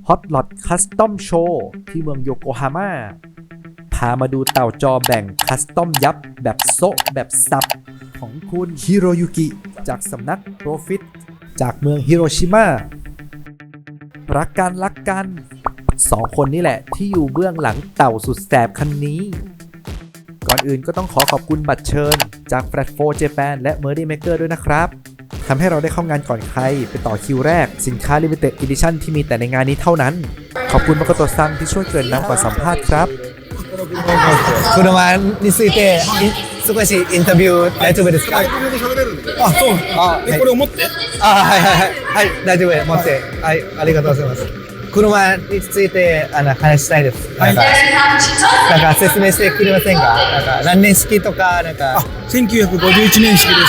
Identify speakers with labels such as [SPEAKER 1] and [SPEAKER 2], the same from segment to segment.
[SPEAKER 1] ฮอตล็อตคัสตอมโชว์ที่เมืองโยโกฮาม่าพามาดูเต่าจอแบ่งคัสตอมยับแบบโซะแบบซับของคุณฮิโรยุกิจากสำนักโปรฟิตจากเมืองฮิโรชิมารักกันสองคนนี่แหละที่อยู่เบื้องหลังเต่าสุดแสบคันนี้ก่อนอื่นก็ต้องขอบคุณบัตรเชิญจาก Flat 4 Japan และ Merdy Maker ด้วยนะครับทำให้เราได้เข้างานก่อนใครไปต่อคิวแรกสินค้า Limited Edition ที่มีแต่ในงานนี้เท่านั้นขอบคุณมาโกโตะซังที่ช่วยเกริ่นนำก่อนสัมภาษณ์ครับ
[SPEAKER 2] 車について少しインタビュー大丈夫ですか？
[SPEAKER 3] あ、そう。で、これを持って。
[SPEAKER 2] はい大丈夫持ってはいありがとうございます。車について話したいです。なんか説明してくれませんか？なんか何年式とかなんか。
[SPEAKER 3] 1951年式です。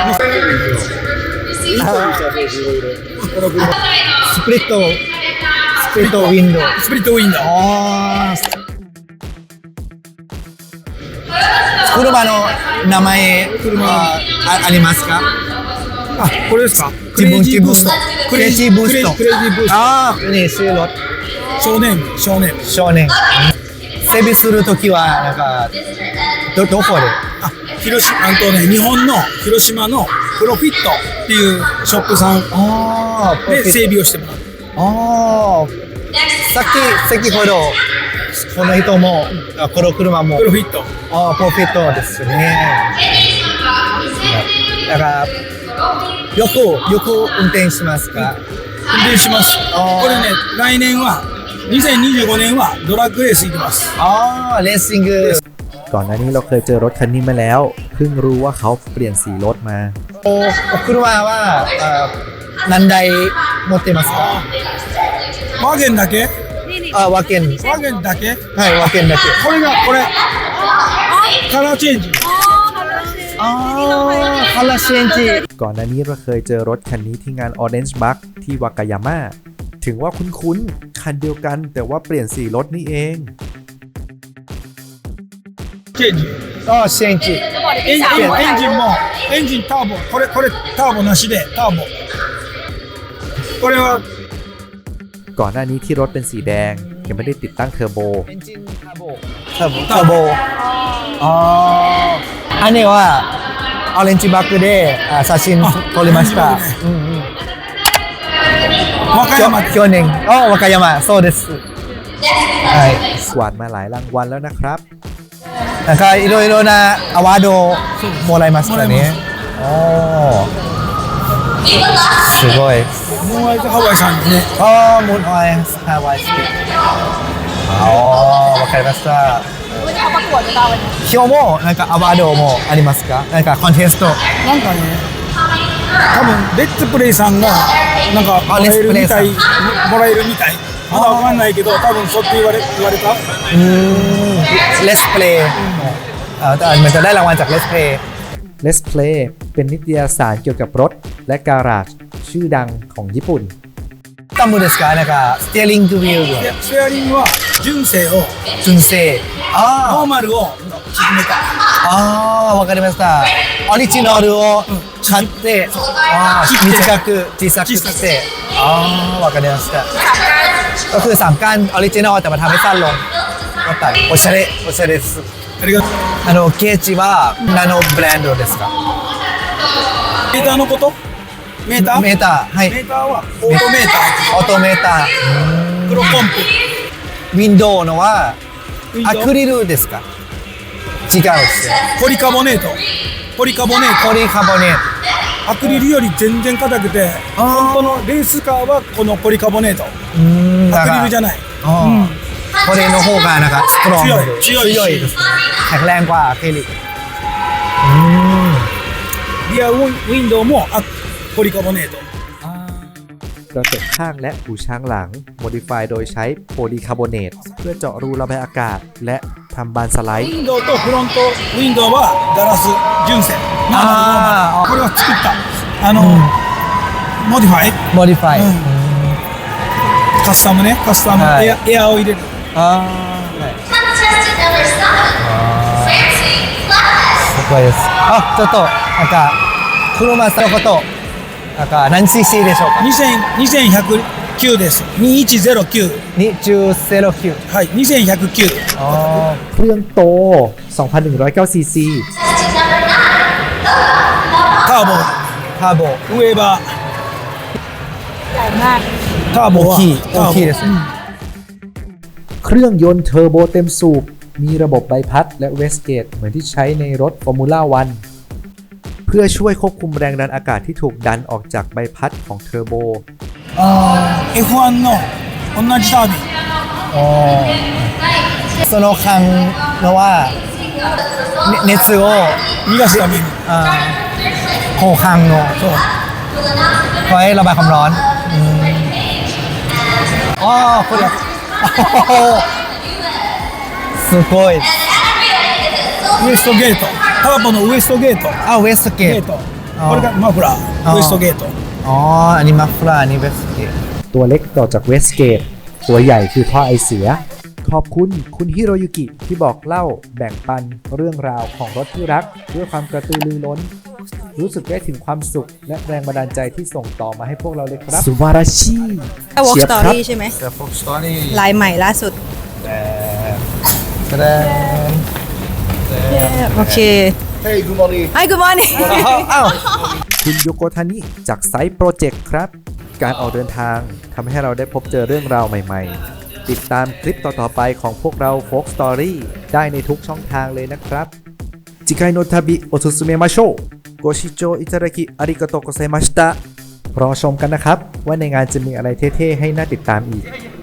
[SPEAKER 2] スプリットウィンドウ。
[SPEAKER 3] スプリットウィンドウ。
[SPEAKER 2] 車の名前ありますか？
[SPEAKER 3] あ、これですか？
[SPEAKER 2] クレイジーブースト。
[SPEAKER 3] クレイジーブースト。
[SPEAKER 2] ああ、ね、収録。
[SPEAKER 3] 少年。
[SPEAKER 2] 整備するときはなんかどこで？
[SPEAKER 3] あ、日本の広島のプロフィットっていうショップさんで整備をしてもらう。
[SPEAKER 2] 先ほどこの人もこの車も
[SPEAKER 3] プロフィット。
[SPEAKER 2] プロフィットですね。だからよく運転しますか？
[SPEAKER 3] 運転します。これね、来年は2025年はドラッグレース行きます。
[SPEAKER 2] レーシング。
[SPEAKER 1] ก่อนหน้านี้เราเคยเจอรถคันนี้มาแล้วเพิ่งรู้ว่าเขาเปลี่ยนสีรถมา
[SPEAKER 2] 車は何台持ってますか？
[SPEAKER 3] ワゲンだけ？
[SPEAKER 2] ワゲン
[SPEAKER 3] だけ？
[SPEAKER 2] はいワゲンだけ。
[SPEAKER 3] これカラーチェンジ。
[SPEAKER 2] カラーチェンジ。
[SPEAKER 1] ก่อนหน้านี้เราเคยเจอรถคันนี้ที่งาน Orange Bug ที่วากายาม่าถึงว่าคุ้นๆคันเดียวกันแต่ว่าเปลี่ยนสีรถนี่เอง
[SPEAKER 3] チェンジ。
[SPEAKER 2] チェンジ。
[SPEAKER 3] エンジンターボ。これターボなしでターボ。これは
[SPEAKER 1] ก่อนหน้านี้ที่รถเป็นสีแดงยังไม่ได้ติดตั้งเทอร์โบ
[SPEAKER 2] อันนี้ว่าオレンジバックで写真撮りました。
[SPEAKER 3] 和歌山。
[SPEAKER 2] 去年和歌山そうです。
[SPEAKER 1] กวาดมาหลายรางวัลแล้วนะครับ
[SPEAKER 2] なんかいろいろなアワードをもらいましたね。すごい。
[SPEAKER 3] ムーンアイズハワイさんですね。
[SPEAKER 2] ムーンアイズハワイ好き。わかりました。今日もなんかアワードもありますか？なんかコンテスト。
[SPEAKER 3] なんかね、多分レッツプレイさんがなんかもらえるみたい。まだわかんないけど、多分そうって言われた。
[SPEAKER 2] レスプレイมันจะได้รางวัลจาก Let's Play
[SPEAKER 1] Let's Play เป็นนิตยสารเกี่ยวกับรถและการาจชื่อดังของญี่ปุ่น
[SPEAKER 2] タムですか？なんかステアリングウィール
[SPEAKER 3] ステアリングは純正をノーマルを縮めた。
[SPEAKER 2] わかりました。オリジナルを買って小さくしてわかりました。ก็คือ3ก้านออริจินอลแต่มาทำให้สั้นลงก็แต่โอชาレです。
[SPEAKER 3] ありがとう。
[SPEAKER 2] ケーチは何のブランドですか？
[SPEAKER 3] メーターのこと？メーターはオー
[SPEAKER 2] トメーター
[SPEAKER 3] 黒コン
[SPEAKER 2] プ。ウィンドウのはアクリルですか？違うですよ。
[SPEAKER 3] ポリカボネート。アクリルより全然硬くて、本当のレースカーはこのポリカボネート。アクリルじゃない。
[SPEAKER 2] これの方がなんかストロング強いですね。แข็งแรงกว่าอะคริลิก
[SPEAKER 3] リアウィンドウもポリカボネート
[SPEAKER 1] กระจกข้างและหูช้างหลังโมดิฟายโดยใช้โพลีคาร์บอเนตเพื่อเจาะรูระบายอากาศและทำบานสไลด์
[SPEAKER 3] ウィンドウとフロントウィンドウはガラス純正。これは作ったモディファイカスタムエアを入れる。
[SPEAKER 2] すごいです。ちょっとなんか車さんのことなんか何 cc でしょうか？
[SPEAKER 3] 9です2109
[SPEAKER 2] นี่จูเซโรคิว
[SPEAKER 3] はい2109
[SPEAKER 2] อ๋อ
[SPEAKER 1] เครื่องโต 2,109 ซีซี
[SPEAKER 3] ターボ
[SPEAKER 2] คาโบ
[SPEAKER 3] ウェーバー
[SPEAKER 4] ใหญ่มาก
[SPEAKER 3] ターボは
[SPEAKER 2] 大きいです
[SPEAKER 1] เครื่องยนต์เทอร์โบเต็มสูบ มีระบบใบพัดและเวสเกตเหมือนที่ใช้ในรถฟอร์มูล่าวันเพื่อช่วยควบคุมแรงดันอากาศที่ถูกดันออกจากใบพัดของเทอร์โบ
[SPEAKER 3] F1 の同じタービン
[SPEAKER 2] อ๋อそのคังเพราะว่าเนซึโอ
[SPEAKER 3] 逃がすために
[SPEAKER 2] โคคังโน
[SPEAKER 3] そう
[SPEAKER 2] ไว้ระบายความร้อนอ๋อこれすごい
[SPEAKER 3] ウエストゲートターボのウエストゲート
[SPEAKER 2] อ้าวเวสเกต
[SPEAKER 3] ゲートこれがマフラーウエストゲート
[SPEAKER 2] อ๋ออันนี้มัฟลาอันนี้เวสเกต
[SPEAKER 1] ตัวเล็กต่อจากเวสเกต ตัวใหญ่คือท่อไอเสีย ขอบคุณคุณฮิโรยุกิที่บอกเล่าแบ่งปันเรื่องราวของรถที่รักด้วยความกระตือรือร้น รู้สึกได้ถึงความสุขและแรงบันดาลใจที่ส่งต่อมาให้พวกเราเลยครับสุวาราชิ
[SPEAKER 4] Walk
[SPEAKER 1] เชียบครับ
[SPEAKER 4] Story ใช่ไหม
[SPEAKER 2] แต่ฟ็อกสตอรี่
[SPEAKER 4] ลายใหม่ล่าสุด
[SPEAKER 2] แสดง
[SPEAKER 4] โอเค
[SPEAKER 2] Hey good morning
[SPEAKER 4] Hi good morning
[SPEAKER 2] อ้าว
[SPEAKER 1] คุณโยโกทานิจากไซต์โปรเจกต์ครับ การออกเดินทางทำให้เราได้พบเจอเรื่องราวใหม่ๆ ติดตามคลิปต่อๆไปของพวกเรา Folk Story ได้ในทุกช่องทางเลยนะครับ次回の旅おすすめましょうご視聴いただきありがとうございましたรอชมกันนะครับว่าในงานจะมีอะไรเท่ๆให้น่าติดตามอีก